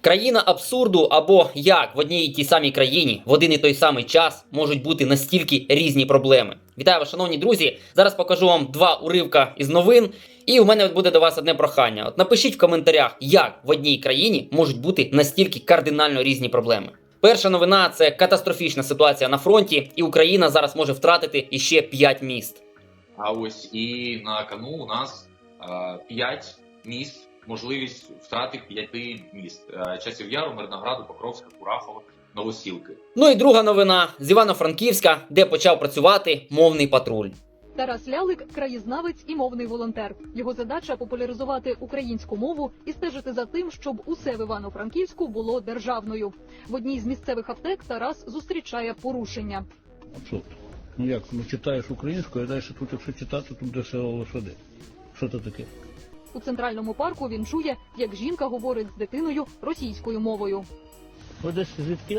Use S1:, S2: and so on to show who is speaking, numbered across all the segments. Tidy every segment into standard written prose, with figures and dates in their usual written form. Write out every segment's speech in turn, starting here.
S1: Країна абсурду або як в одній і тій самій країні в один і той самий час можуть бути настільки різні проблеми. Вітаю вас, шановні друзі! Зараз покажу вам два уривка із новин. І у мене буде до вас одне прохання. Напишіть в коментарях, як в одній країні можуть бути настільки кардинально різні проблеми. Перша новина – це катастрофічна ситуація на фронті, і Україна зараз може втратити іще 5 міст.
S2: А ось і на кону у нас 5 міст, можливість втрати 5 міст. Часів Яру, Мирнограду, Покровська, Курахова, Новосілки.
S1: Ну і друга новина з Івано-Франківська, де почав працювати мовний патруль.
S3: Тарас Лялик – краєзнавець і мовний волонтер. Його задача – популяризувати українську мову і стежити за тим, щоб усе в Івано-Франківську було державною. В одній з місцевих аптек Тарас зустрічає порушення.
S4: Абсурд. Ну як, читаєш українською, а далі тут, якщо читати, тут де село лошади. Що це таке?
S3: У Центральному парку він чує, як жінка говорить з дитиною російською мовою.
S4: Ви десь звідки?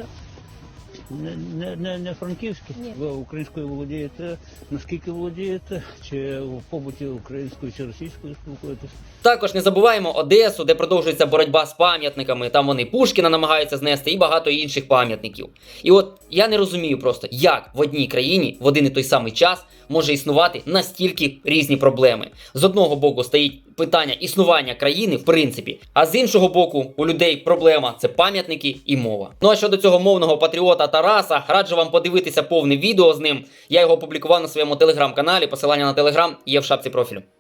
S4: Не франківські?
S3: Ні.
S4: Ви українською володієте, наскільки володієте? Чи в побуті українською чи російською спілкуєтесь?
S1: Також не забуваємо Одесу, де продовжується боротьба з пам'ятниками. Там вони Пушкіна намагаються знести і багато інших пам'ятників. І от я не розумію просто, як в одній країні в один і той самий час може існувати настільки різні проблеми. З одного боку стоїть питання існування країни, в принципі, а з іншого боку у людей проблема – це пам'ятники і мова. Ну а щодо цього мовного патріота Тараса, раджу вам подивитися повне відео з ним. Я його опублікував на своєму телеграм-каналі, посилання на телеграм є в шапці профілю.